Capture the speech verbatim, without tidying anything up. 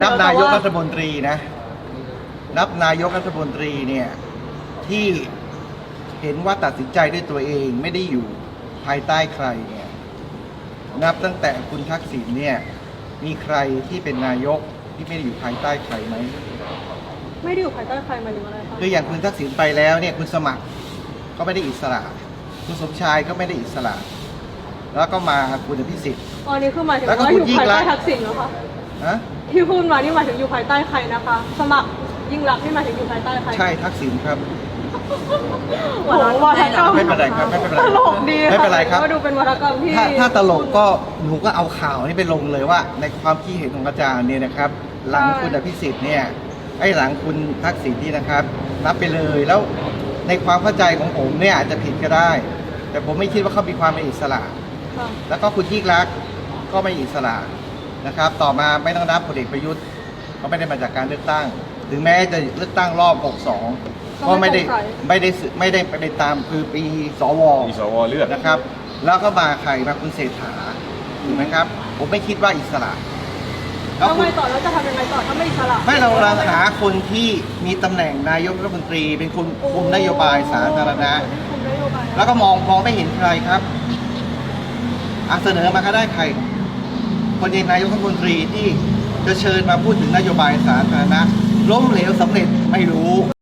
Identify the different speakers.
Speaker 1: นับนายกรัฐมนตรีนะนับนายกรัฐมนตรีเนี่ยที่เห็นว่าตัดสินใจด้วยตัวเองไม่ได้อยู่ภายใต้ใครเนี่ยนับตั้งแต่คุณทักษิณเนี่ยมีใครที่เป็นนายกที่ไม่ได้อยู่ภายใต้ใครไหม
Speaker 2: ไม่ได้อยู่ภายใต้ใครหมายถึงอะไรคะ
Speaker 1: คืออย่างคุณทักษิณไปแล้วเนี่ยคุณสมัครก็ไม่ได้อิสระคุณสมชายก็ไม่ได้อิสระแล้วก็มาคุณอภิสิทธิ์
Speaker 2: อ๋อนี่คือหมายถึงว่าอยู่ภายใต้ทักษิณเหรอคะ
Speaker 1: ฮะ
Speaker 2: ที่พูดมานี่หมายถึงอยู่ภายใต้ใครนะคะสมัครยิ่งรักนี่หมายถึงอยู่ภายใต้ใคร
Speaker 1: ใช่ทักษิณครับ
Speaker 2: วัฒกรรม
Speaker 1: ไม่เป็นไรครับไม่เป็นไร
Speaker 2: ตลกดี
Speaker 1: ไม่เป็นไรครับ
Speaker 2: ก็ดูเป็นวัฒกรรมที่
Speaker 1: ถ้าถ้าตลกก็หนูก็เอาข่าวนี้ไปลงเลยว่าในความคิดเห็นของอาจารย์เนี่ยนะครับหลังคุณอภิสิทธิ์เนี่ยไอ้หลังคุณทักษิณนี่นะครับนับไปเลยแล้วในความเข้าใจของผมเนี่ยอาจจะผิดก็ได้แต่ผมไม่คิดว่าเขามีความเป็นอิสระแล้วก็คุณยิ่งรักษณ์ก็ไม่อิสระนะครับต่อมาไม่ต้องนับพลเอกประยุทธ์เขาไม่ได้มาจากการเลือกตั้งถึงแม้จะเลือกตั้งรอบหกสองก็ไม่ได้ไม่ได้ไม่ได้ไปตามคือปีสว
Speaker 3: มีสวเลือก
Speaker 1: นะครับแล้วก็มาใครมาคุณเศรษฐาถูกไหมครับผมไม่คิดว่าอิสระ
Speaker 2: แล้วทำไมต่อแล้วจะทำยังไงต่อถ้าไม่อิสระ
Speaker 1: ไม่เรากำลังหาคนที่มีตำแหน่งนายกรัฐมนตรีเป็นคนคุมนโยบายสาธารณะแล้วก็มองมองไม่เห็นใครครับอาเสนอมาก็ได้ใครคนเองนายกรัฐมนตรีที่จะเชิญมาพูดถึงนโยบายสาธารณะล้มเหลวสำเร็จไม่รู้